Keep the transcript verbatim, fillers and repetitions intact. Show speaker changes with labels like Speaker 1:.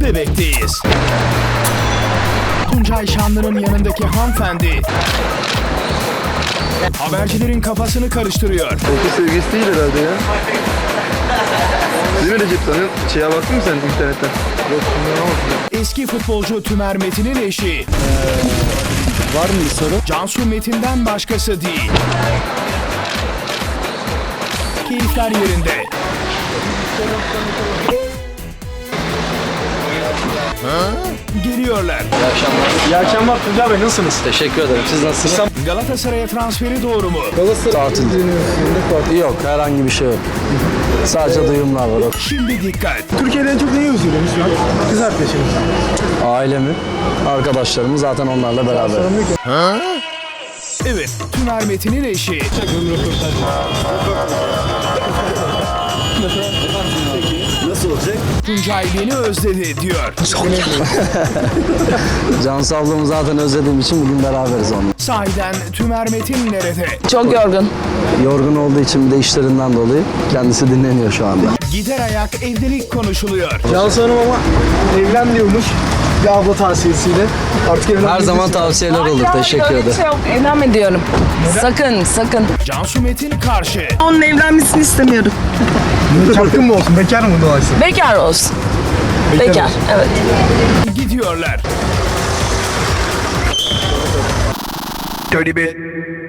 Speaker 1: Bebek'teyiz. Tuncay Şanlı'nın yanındaki hanımefendi habercilerin kafasını karıştırıyor.
Speaker 2: Okul sevgisi değil herhalde ya. Değil mi Recep Tan'ın? Şeye baktın mı sen internetten? Yok,
Speaker 1: Eski futbolcu Tümer Metin'in eşi.
Speaker 3: Ee, var mı bir soru?
Speaker 1: Cansu Metin'den başkası değil. Keyifler yerinde. Ha? Geliyorlar.
Speaker 4: İyi akşamlar.
Speaker 3: İyi akşamlar Tuncay Bey, nasılsınız?
Speaker 4: Teşekkür ederim. Siz nasılsınız?
Speaker 1: Galatasaray'a transferi doğru mu?
Speaker 3: Tatil. Yok, herhangi bir şey yok. Sadece duyumlar var.
Speaker 1: Şimdi dikkat.
Speaker 5: Türkiye'de en çok neyi özlüyorsunuz şu an? Kız arkadaşınız.
Speaker 3: Ailemi, arkadaşlarımı zaten onlarla beraber.
Speaker 1: Evet, Tümer Metin'in eşi.
Speaker 5: Nasıl olacak?
Speaker 1: Tuncay beni özledi diyor.
Speaker 3: Cansu ablamı zaten özlediğim için bugün beraberiz onunla.
Speaker 1: Sahiden Tümer Metin nerede?
Speaker 6: Çok yorgun.
Speaker 3: Yorgun olduğu için bir de işlerinden dolayı kendisi dinleniyor şu anda.
Speaker 1: Gider ayak evlilik konuşuluyor.
Speaker 5: Cansu Hanım ama evlen diyormuş. Bir abla tavsiyesiyle. Artık evlen.
Speaker 3: Her zaman tavsiyeler olur. Teşekkür
Speaker 6: Öyle bir
Speaker 3: ederim.
Speaker 6: şey yok. Evlenme diyorum. Sakın, sakın.
Speaker 1: Cansu Metin karşı.
Speaker 6: Onun evlenmesini istemiyorum.
Speaker 5: Çapkın mı olsun? Bekar mı dolayısıyla?
Speaker 6: Bekar olsun. Bekar, evet.
Speaker 1: Gidiyorlar. Dirty bit.